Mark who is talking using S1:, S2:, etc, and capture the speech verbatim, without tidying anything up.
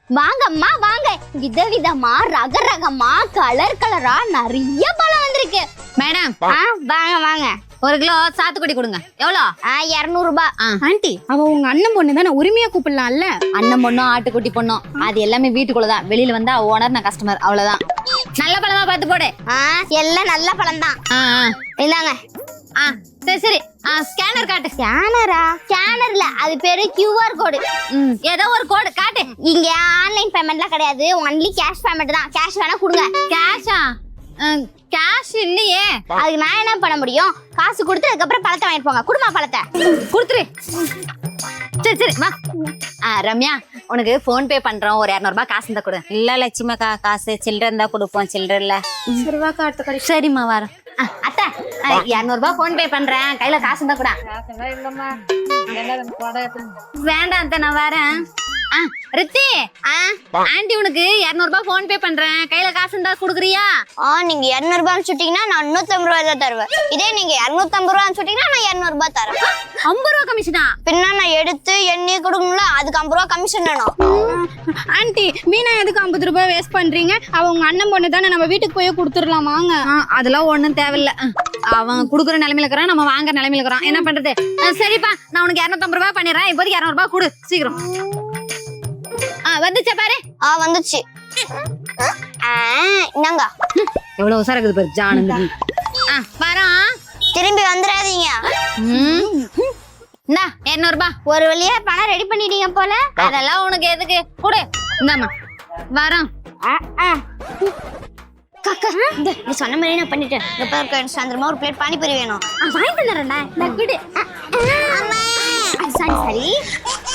S1: வாங்கம்மா வாங்க, விதவிதமா ரக ரகமா கலர் கலரா நிறைய பழம் வந்திருக்கு.
S2: மேடம்
S1: வாங்க வாங்க,
S2: ஒரு கிலோ சாத்துக்குடி கொடுங்க. எவ்வளோ?
S1: இருநூறு ரூபாய்.
S3: ஆண்டி, அவ உங்க அண்ணன் பொண்ணு தானே, உரிமையா கூப்பிடலாம்ல?
S2: அண்ணன் பொண்ணும் ஆட்டுக்குட்டி பொண்ணும் அது எல்லாமே வீட்டுக்குள்ளதான். வெளியில வந்தா ஓனர், நான் கஸ்டமர், அவ்வளவுதான். நல்ல பழமா பார்த்து போடு.
S1: எல்லாம் நல்ல பழம் தான். இந்தாங்க.
S2: சரி சரி, ஸ்கேனர் காட்டு.
S1: ஸ்கேனரா? ஸ்கேனர்ல அது பேரு கியூஆர் கோடு.
S2: ம், ஏதோ ஒரு கோடு காட்டு.
S1: இங்க ஆன்லைன் பேமெண்ட்லாம் கிடையாது, ஒன்லி கேஷ் பேமெண்ட் தான். கேஷ் வேணா கொடுங்க.
S2: கேஷா? கேஷ் இல்லையே.
S1: அதுக்கு நான் என்ன பண்ண முடியும்? காசு கொடுத்து அதுக்கப்புறம் பழத்தை வாங்கிட்டு போங்க. குடுமா பழத்தை
S2: கொடுத்துரு. சரி சரி வா. ரம்யா, உனக்கு போன் பே பண்றோம், ஒரு இரநூறு ரூபாய் காசு இருந்தா கொடு.
S4: இல்ல லட்சுமிக்கா, காசு சில்லற இருந்தா கொடுப்போம், சில்லற இல்ல.
S3: சரிவாக்கா, அடுத்த கடை.
S2: சரிம்மா வரோம். அத்தை, இரநூறு ரூபாய் போன் பே பண்றேன், கையில காசு இருந்தா கூட. வேண்டாம் அத்தை, நான் வரேன். ரித்தி, ஆண்டி உனக்கு இருநூறு ரூபாய் போன் பே பண்றேன், கையில காசு இருந்தா குடுக்குறியா?
S1: நீங்க இருநூறு ரூபாய் சுட்டீங்கன்னா நான் நூத்தி ஐம்பது ரூபாய் தான் தருவேன். இதே நீங்க இருநூத்தி ஐம்பது ரூபாய் சுட்டீங்கன்னா நான் இருநூறு ரூபாய் தரேன்.
S2: ஐம்பது ரூபாய் கமிஷனா?
S1: பின்ன நான் எடுத்து எண்ணி கொடுக்கணும்ல, அதுக்கு ஐம்பது ரூபாய் கமிஷன் வேணும்.
S3: ஆண்டி, மீனா எதுக்கு ஐம்பது ரூபாய் வேஸ்ட் பண்றீங்க? அவ உங்க அண்ணன் பொண்ணு தானே, நம்ம வீட்டுக்கு போய் கொடுத்துடலாம் வாங்க.
S2: அதெல்லாம் ஒண்ணும் தேவையில்ல. அவன் குடுக்குற நிலைமையில இருக்கிறான், நம்ம வாங்குற நிலைமையில இருக்கிறோம். என்ன பண்றது? சரிப்பா, நான் உனக்கு இருநூத்தி ஐம்பது ரூபாய் பண்ணிடுறேன். இப்போதைக்கு இருநூறு ரூபாய் கொடு சீக்கிரம். வந்துச்சா பாரு.
S1: ஆ வந்துச்சு. என்னங்க
S2: எவ்வளவு உசாரா இருக்குது பாரு ஜானு. வரோம்,
S1: திரும்பி வந்துடாதீங்க.
S2: இந்தா இருநூறு ரூபாய்.
S1: ஒரு வழியா பணம் ரெடி பண்ணிட்டீங்க போல.
S2: அதெல்லாம் உனக்கு எதுக்கு? கொடு. இந்தாம்மா வரோம்.
S1: காக்கா, இந்த நீ சொன்ன மாதிரி நான் பண்ணிட்டேன். எப்ப சாயந்தரமா ஒரு பிளேட் பானிபூரி வேணும்.
S2: வாங்கிட்டு வந்துடுறேன்டா.
S1: Sorry sorry